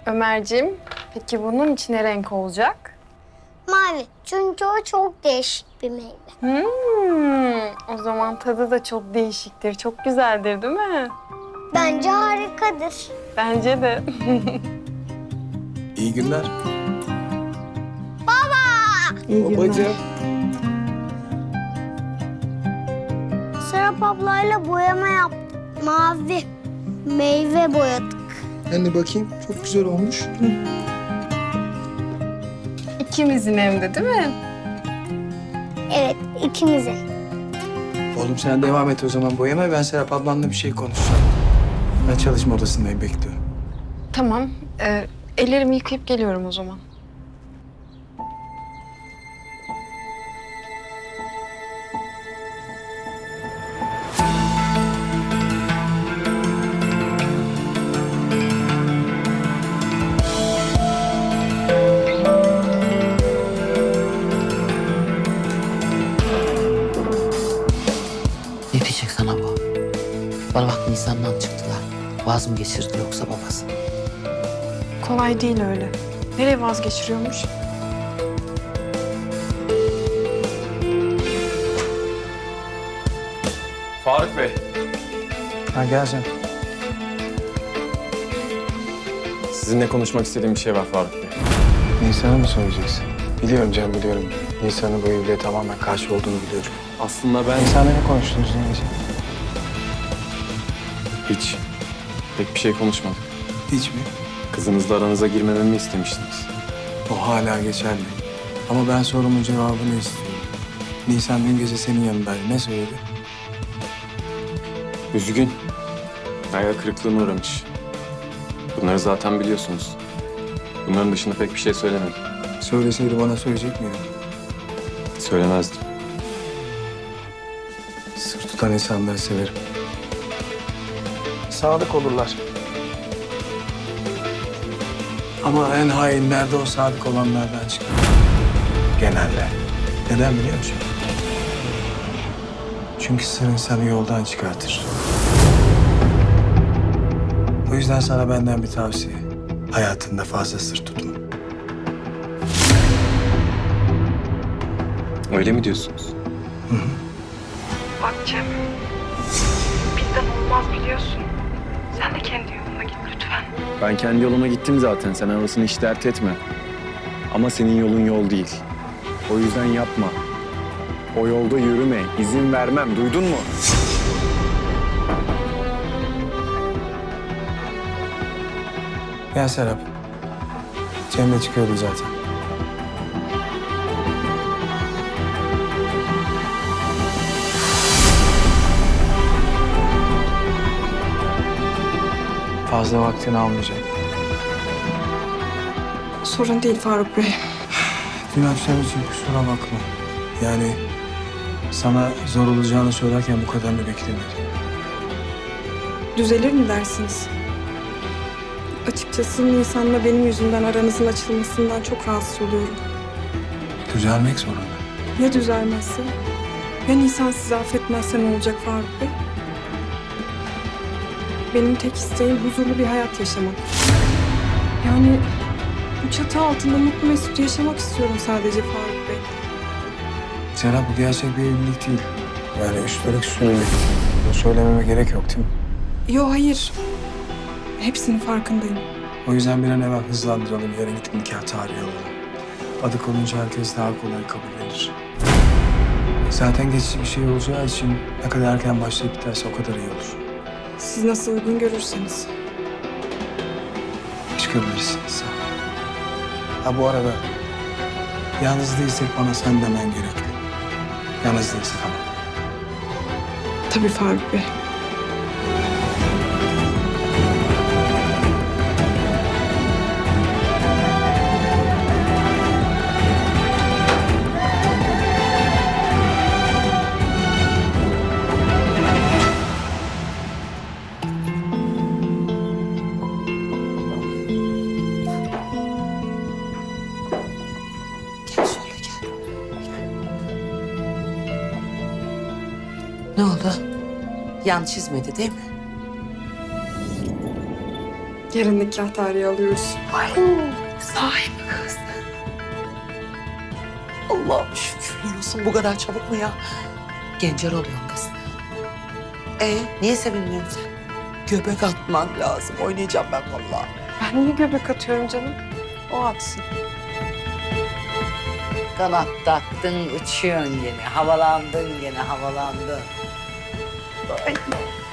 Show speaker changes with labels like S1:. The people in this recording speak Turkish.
S1: Ömerciğim, peki bunun içine renk olacak?
S2: Mavi. Çünkü o çok değişik bir meyve.
S1: O zaman tadı da çok değişiktir, çok güzeldir değil mi?
S2: Bence harikadır.
S1: Bence de.
S3: İyi günler.
S1: İyi
S3: Babacığım.
S2: Serap ablayla boyama yaptık. Mavi. Meyve boyadık.
S3: Anne bakayım, çok güzel olmuş.
S1: İkimizin hem de değil mi?
S2: Evet, ikimizin.
S3: Oğlum sen devam et o zaman boyama. Ben Serap ablanla bir şey konuşacağım. Ben çalışma odasındayım, bekliyorum.
S1: Tamam, ellerimi yıkayıp geliyorum o zaman.
S4: Ne diyecek sana bu? Bana bak Nisan'dan çıktılar. Vaz mı geçirdi yoksa babası?
S1: Kolay değil öyle. Nereye vazgeçiriyormuş?
S5: Faruk Bey.
S3: Ha gel sen.
S5: Sizinle konuşmak istediğim bir şey var Faruk Bey.
S3: Nisan'a mı söyleyeceksin? Biliyorum Cem, biliyorum. Nisan'ın bu evliliğe tamamen karşı olduğunu biliyorum.
S5: Aslında ben
S3: Nisan'la ne konuştunuz neyse?
S5: hiç pek bir şey konuşmadık.
S3: Hiç mi?
S5: Kızınızla aranıza girmememi istemiştiniz.
S3: O hala geçerli. Ama ben sorumun cevabını istiyorum. Nisan dün gece senin yanındaydı. Ne söyledi?
S5: Üzgün. Hayal kırıklığına uğramış. Bunları zaten biliyorsunuz. Bunların dışında pek bir şey söylemedim.
S3: Söyleseydi bana söyleyecek miydin?
S5: Söylemezdim.
S3: Sır tutan insanları severim. Sadık olurlar. Ama en hainler de o sadık olanlardan çıkar. Genelde. Neden biliyor musun? Çünkü sır insanı yoldan çıkartır. O yüzden sana benden bir tavsiye. Hayatında fazla sır tutma.
S5: Öyle mi diyorsunuz?
S1: Bak Cem, bizden olmaz biliyorsun. Sen de kendi yoluna git lütfen.
S5: Ben kendi yoluma gittim zaten. Sen orasını hiç dert etme. Ama senin yolun yol değil. O yüzden yapma. O yolda yürüme. İzin vermem. Duydun mu?
S3: Gel Serap. Cem de çıkıyordu zaten. Fazla vaktini almayacak.
S1: Sorun değil Faruk Bey.
S3: Dün akşam için kusura bakma. Yani sana zor olacağını söylerken bu kadarını beklemiyordum.
S6: Düzelir mi dersiniz? Açıkçası Nisan'la benim yüzümden aranızın açılmasından çok rahatsız oluyorum.
S3: Düzelmek zorunda.
S6: Ya düzelmezse? Ya Nisan sizi affetmezse ne olacak Faruk Bey? Benim tek isteğim huzurlu bir hayat yaşamak. Yani bu çatı altında mutlu mesut yaşamak istiyorum sadece Faruk Bey.
S3: Serap, bu gerçek bir evlilik değil. Yani üstelik süreli. Bunu söylememe gerek yok değil mi?
S6: Yo hayır. Hepsinin farkındayım.
S3: O yüzden bir an evvel hızlandıralım. Yarın gidip nikah tarihi alalım. Adı konunca herkes daha kolay kabullenir. Zaten geçici bir şey olacağı için ne kadar erken başlayıp biterse o kadar iyi olur.
S6: Siz nasıl uygun görürseniz.
S3: Çıkabilirsiniz. Ha bu arada yalnız değilsek bana sen demen gerekli. Yalnız değilsek ama.
S6: Tabii Faruk Bey.
S4: Gel şöyle gel. Ne oldu? Yan çizmedi değil mi?
S6: Yarın nikah tarihi alıyoruz.
S4: Ay, sahi mi kız? Allah'ım şükürler olsun, bu kadar çabuk mu ya? Gencer oluyorsun kız. Niye sevinmiyorsun sen? Göbek atman lazım. Oynayacağım ben vallahi.
S6: Ben niye göbek atıyorum canım? O atsın.
S4: Kanat taktın, uçuyorsun gene. Havalandın gene, havalandın. Ay.